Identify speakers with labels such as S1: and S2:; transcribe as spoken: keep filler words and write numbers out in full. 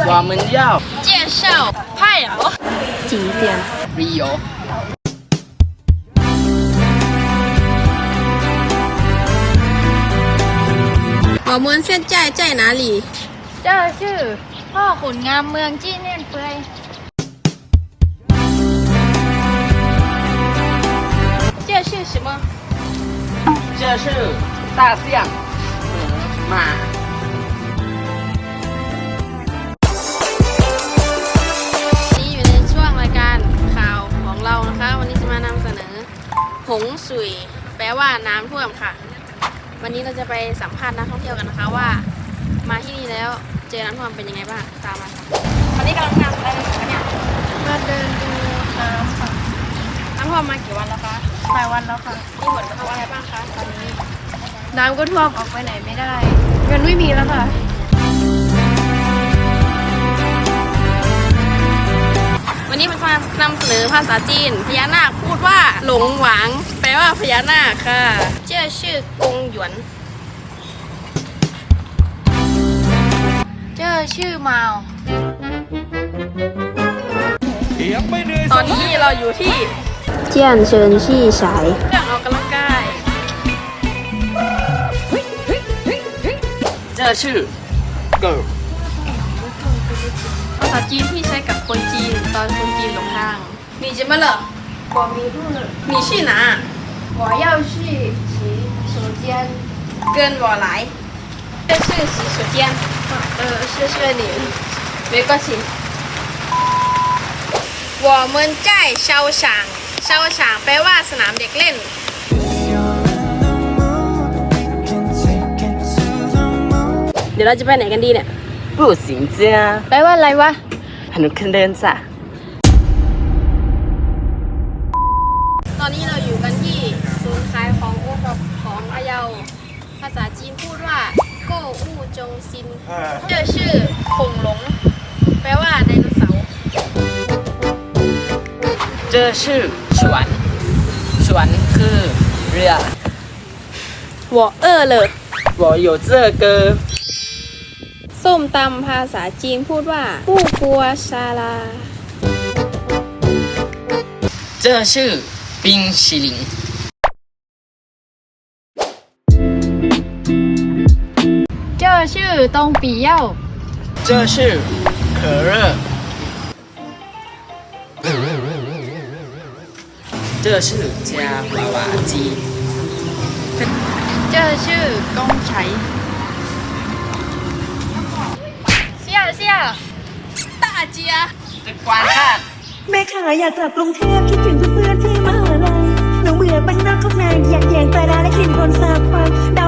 S1: 我们要
S2: 介绍派哦
S3: 景点。
S1: 旅游。
S3: 我们现在在哪里？
S2: 这是พ่อขุนงามเมืองจี้เน่นเปย这是什么？
S1: 这是大象、马。
S3: นี่อยู่ในช่วงรายการข่าวของเรานะคะ วันนี้จะมานำเสนอหงสุยแปลว่าน้ำท่วมค่ะ วันนี้เราจะไปสัมภาษณ์นักท่องเที่ยวกันนะคะว่า มาที่นี่แล้วเจอน้ำท่วมเป็นยังไงบ้างตามมาค่ะวันนี้กำลังทำอะไรกันเนี่ย
S2: มาเดินดูน้ำค่ะ
S3: น้ำท่วมมากี่วันแล้วคะ
S2: หลายวันแล้วค่ะ
S3: มีผลกระทบอะไรบ้างคะตอนนี้
S2: น้ำก็ท่วมออกไปไหนไม่ได้เงินไม่มีแล้วค่ะ
S3: วันนี้มันมานำเสนอภาษาจีนพญานาคพูดว่าหลงหวางแปลว่าพญานาคค่ะเจ้าชื่อกงหยวน
S2: เจอชื่อมาว
S3: ตอนนี้เราอยู่ที่
S4: 健身器材。
S3: เครื่องออกกำลังกาย
S1: 这是狗。
S3: ภาษาจีนที่ใช้กับคนจีนตอนคนจีนหลงทางมีจิมาเหรอ
S2: 我迷路了
S3: มีชื่อหนา
S2: 我要去洗手间
S3: เกินบ่อหลายเจ้าชื่อสีสุเจียน
S2: 呃谢谢你
S3: 没关系我们在操场操场แปลว่าสนามเด็กเล่น เดี๋ยวเราจะไปไหนกันดีเนี่ย
S1: 步行街，
S2: แปลว่าอะไรวะ
S1: 很坑人噻。
S3: ตอนนี้เราอยู่กันที่ศูนย์ขายของโอท็อปของพะเยาภาษาจีนพูดว่าโก้อู้จงซินเจ้าชื่อคงหลงแปลว่าไดโนเสาร์
S1: 这是船，船คือเรือ
S3: วอเออเลย
S1: 我有这个
S3: ส้มตำภาษาจีนพูดว่าผู้กัวซาลา
S1: 这是冰淇淋。
S2: เจอชื่อตรงปีเย่า
S1: 这是可乐。这是夹娃娃机。
S2: เจอชื่อกงไฉเสี่ยเสี่ย
S3: ตาเจีย
S1: 观看。
S5: แม่ขาอยากกลับกรุงเทพคิดถึงเพื่อนๆที่มหาลัยหนูเบื่อบ้านนอกข้างในอยากแยงปลาร้าและกลิ่นคนสาบควายดาว